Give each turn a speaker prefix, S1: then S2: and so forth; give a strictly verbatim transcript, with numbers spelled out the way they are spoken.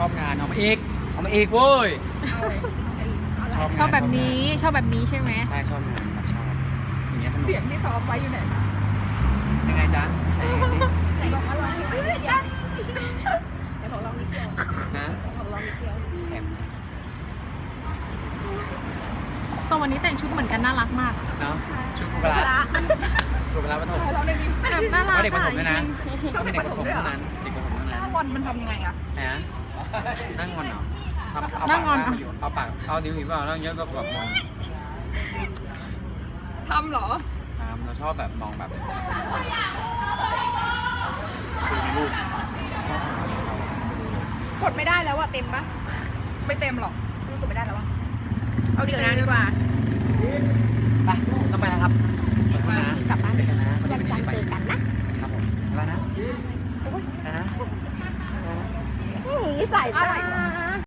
S1: อบงานเอามาอีกเอามาอีกเว้ยชอบ
S2: ชอบแบบนี้ชอบแบบนี้ใช่ไหม
S1: ใช่ชอบงานแบบชอบอย่างเงี้ยสนุก
S3: เสียงที่ซ้อมไว้อยู่ไหนคะ
S1: ยังไงจ๊ะได้ยังไงสิ
S3: ไหนบอกว่าร้องนิดเดียวไหนบอกร้องนิดเดียว
S1: นะ
S3: บอกร้องนิดเดียว
S1: แถม
S2: ตัววันนี้แต่งชุดเหมือนกันน่ารักมาก
S1: เนาะชุดกุบลากุบลาปฐม
S3: ร้องได้ยิน
S2: แบบน่ารัก
S1: ว่าเด็กปฐ
S2: อะ
S1: มด้วยนะต้องเป็นเด็กปฐมเท่านั้นเด็กปฐมเท่า
S3: ห
S1: นั้
S3: น้าน บอลมันทำยังไงอะ
S1: นะนั่งงอนเหรอเอาเอาปากเอาปากเอาดิ้วหิวเปล่าแล้วเยอะก็แบบมอง
S3: ทำเหรอ
S1: ตามเราชอบแบบมองแบบคือในรูป
S3: กดไม่ได้แล้วอะเต็มปะไม่เต็มหรอกกดไม่ได้แล้วอะเอาเดี๋ยวนะดีกว่า
S1: ไปต้องไปแล้วครับขอบคุณนะ
S3: กลับบ้าน
S1: เจอกันนะ
S3: วันจันทร์เจอกันนะครับ
S1: ผมไปนะไปนะ
S3: นี่ใส่มาก